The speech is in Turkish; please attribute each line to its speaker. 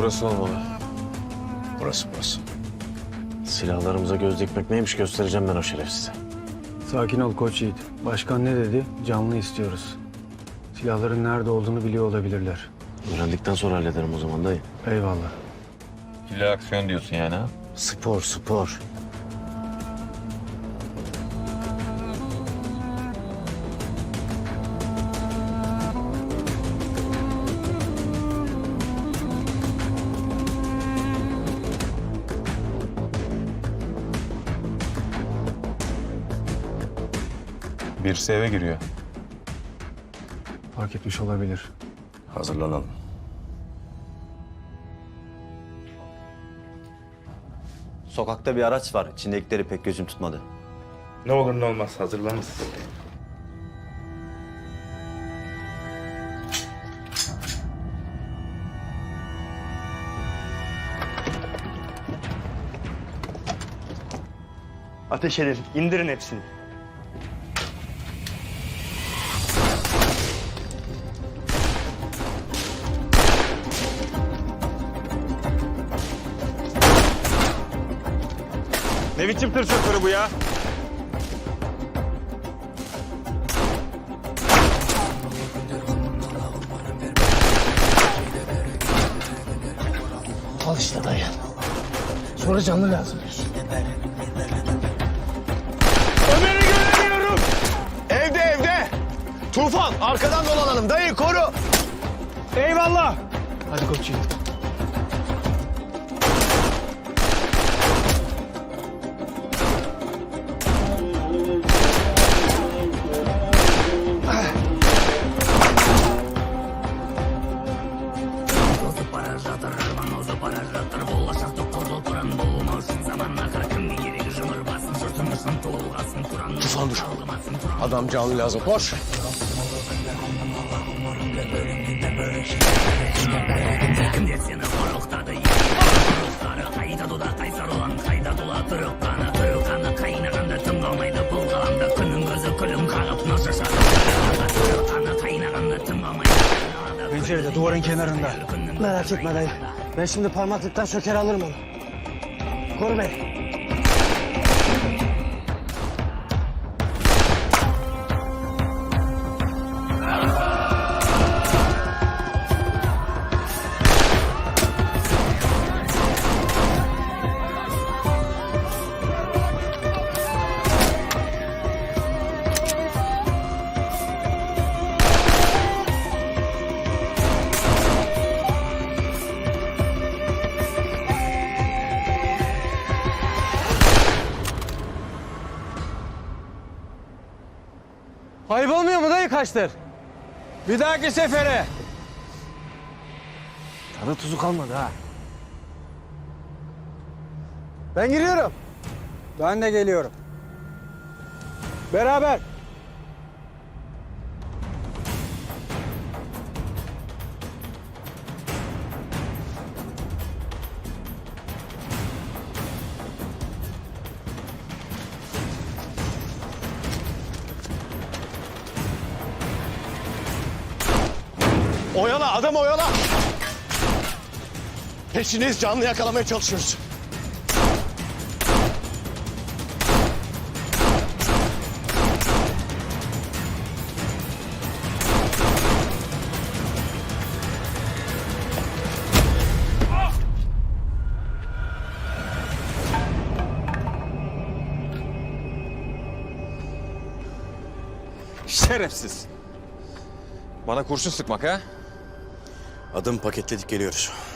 Speaker 1: Burası olmalı.
Speaker 2: Burası.
Speaker 3: Silahlarımıza göz dikmek neymiş göstereceğim ben o şerefsize.
Speaker 4: Sakin ol Koç Yiğit. Başkan ne dedi? Canlı istiyoruz. Silahların nerede olduğunu biliyor olabilirler.
Speaker 3: Öğrendikten sonra hallederim o zaman dayı.
Speaker 4: Eyvallah.
Speaker 1: İlle aksiyon diyorsun yani ha?
Speaker 3: Spor.
Speaker 1: Birisi eve giriyor.
Speaker 4: Fark etmiş olabilir.
Speaker 2: Hazırlanalım.
Speaker 5: Sokakta bir araç var. İçindekileri pek gözüm tutmadı.
Speaker 6: Ne olur ne olmaz hazırlanırız.
Speaker 7: Ateş edin. İndirin hepsini.
Speaker 1: Ne biçim tır şoförü bu ya?
Speaker 8: Al işte dayı. Sonra canlı lazım.
Speaker 2: Ömer'i göremiyorum. Evde. Tufan arkadan dolanalım. Dayı koru.
Speaker 7: Eyvallah.
Speaker 4: Hadi Koç Yiğit.
Speaker 2: Tufan dur. Adam canlı lazım. Koş.
Speaker 8: Pencerede duvarın kenarında. Merak etme dayı. Ben şimdi parmaklıktan söker alırım onu. Koru beni.
Speaker 4: Ayıp olmuyor mu dayı kaçtır? Bir dahaki sefere.
Speaker 3: Tadı tuzu kalmadı ha.
Speaker 4: Ben giriyorum. Ben de geliyorum. Beraber.
Speaker 2: Oyala adam oyala. Peşiniz canlı yakalamaya çalışıyoruz.
Speaker 1: Şerefsiz. Bana kurşun sıkmak ha?
Speaker 2: Adım paketledik geliyoruz.